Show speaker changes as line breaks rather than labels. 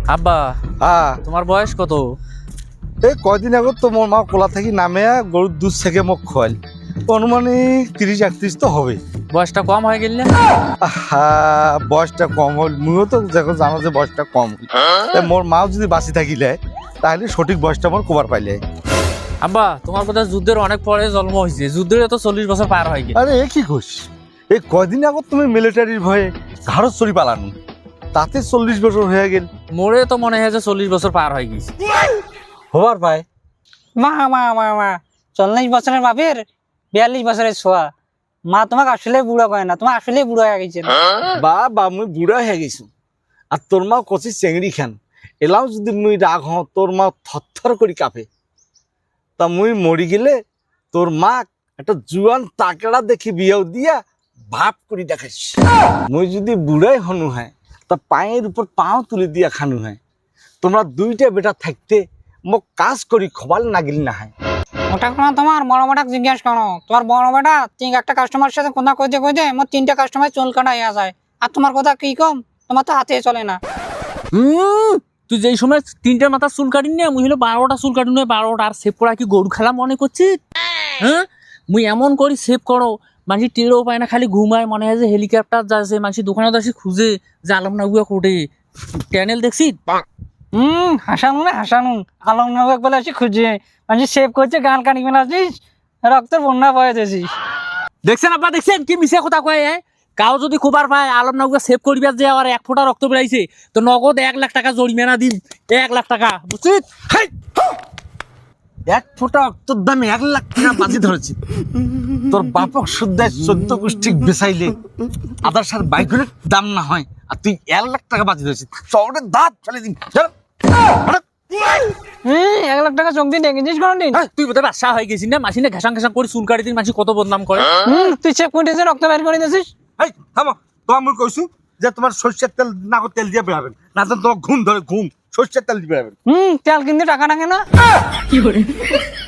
আব্বা তোমার বয়স কত?
এই কয়দিন আগত তো মোর মা কোলা থাকি নামে গরুর দুধ থেকে মোক খোয়াল, অনুমানিক 30-31 তো হবে।
বয়সটা কম হয়ে গেল না?
বয়সটা কম হল, মুইও তো দেখো জানো যে বয়সটা কম হল। মোর মাও যদি বাঁচি থাকিলে তাহলে সঠিক বয়সটা মোর কবার পাইলে।
আব্বা তোমার কথা যুদ্ধের অনেক পরে জন্ম হয়েছে, যুদ্ধের তো 40 বছর পার হয়ে গেল।
আরে এ কি ঘোষ, এই কয়দিন আগত তুমি মিলিটারির ভয়ে ঘাড়ত চড়ি পালানো, তাতে 40 বছর হয়ে গেল।
মোরে তো মনে হয় যে 40 বছর পার হয়ে গেছে।
হবার পায়
মা মা মা মা 40 বছরের বাপের 42 বছরের ছোয়া। মা তোমাকে আসলে বুড়া কয় না, তোমার আসলে বুড়া হয়ে গেছে।
বা মুই বুড়া হয়ে গেছো, আর তোর মা কচি চেংড়ি খান। এলাও যদি মুই রাগ হও, তোর মা থরথর করি কাঁপে। তা মুই মরি গেলে তোর মা একটা জুয়ান তাকেড়া দেখি বিয়েও দিয়া ভাব করি দেখাইস। মুই যদি বুড়াই হনু হয় তা পায়ের উপর পাও তুলে দিয়া খানু হয়। তোমরা দুইটা বেটা থাকতে মোক কাজ করি খবাল নাগিল না হয়।
ওটা কোনো তোমার বড় বেটাকে জিজ্ঞাসা করো। তোমার বড় বেটা একটা কাস্টমার সাথে কথা কইতে কইতে মোর 3টা কাস্টমার চুল কাটাইয়া যায়। আর তোমার কথা কি কম, তোমার তো হাতে চলে না।
তুই যেই সময় 3টার মাথা চুল কাটিনি না, মুই হলো 12টা চুল কাটি নয় 12টা। আর সেভ করা কি গরু খেলা মনে করছিস? হ্যাঁ, মুই এমন করি সেভ করো মানুষ টেরও পায় না, খালি ঘুমায়। মনে হয় যে হেলিকপ্টার যাচ্ছে, মানুষ দোকানে আসি খুঁজে যে আলমনাগুয়া কোটে ট্যানেল দেখছি।
হাসানু না হাসানু আলম নবাক বলে আসি খুঁজে মানুষ সেভ করছে, গান কানি মেলা আসিস, রক্তের বন্যা বয়ে দিয়েছিস।
দেখছেন আব্বা, দেখছেন কি মিশে কথা কয়? কাউ যদি খবর পায় আলমনাগুয়া সেভ করবে যে আর 1 ফোঁটা রক্ত বেড়াইছে, তো নগদ 1 লাখ টাকা জরিমানা দিন। 1 লাখ টাকা, বুঝছিস?
1 ফোঁটা রক্তর দামে 1 লাখ টাকা বাজি ধরেছি। তোর বাপক শুদ্ধায় 14 গোষ্ঠী বেচাইলে আদার সার বাইকের দাম না হয়, আর তুই 1 লাখ টাকা বাজি ধরেছিস। চৌড়ে দাঁত ফেলে দিন।
1 লাখ টাকা চোখ দিয়ে দেখেছিস কোনদিন?
তুই বোধহয় বাদশা হয়ে গেছিস না, মাসিনে ঘাসাং ঘাসাং করে চুল কাটি দিন, মাসি কত বদনাম করে।
তুই সেভ করে রক্ত বের করে দিয়েছিস।
এই থামো, তো আমি কইছু যে তোমার সরষের তেল না তেল দিয়ে বেড়াবেন, না তো তোমার ঘুম ধরে ঘুম। সরষের তেল দিয়ে বেড়াবেন।
তেল কিনতে টাকা লাগে না।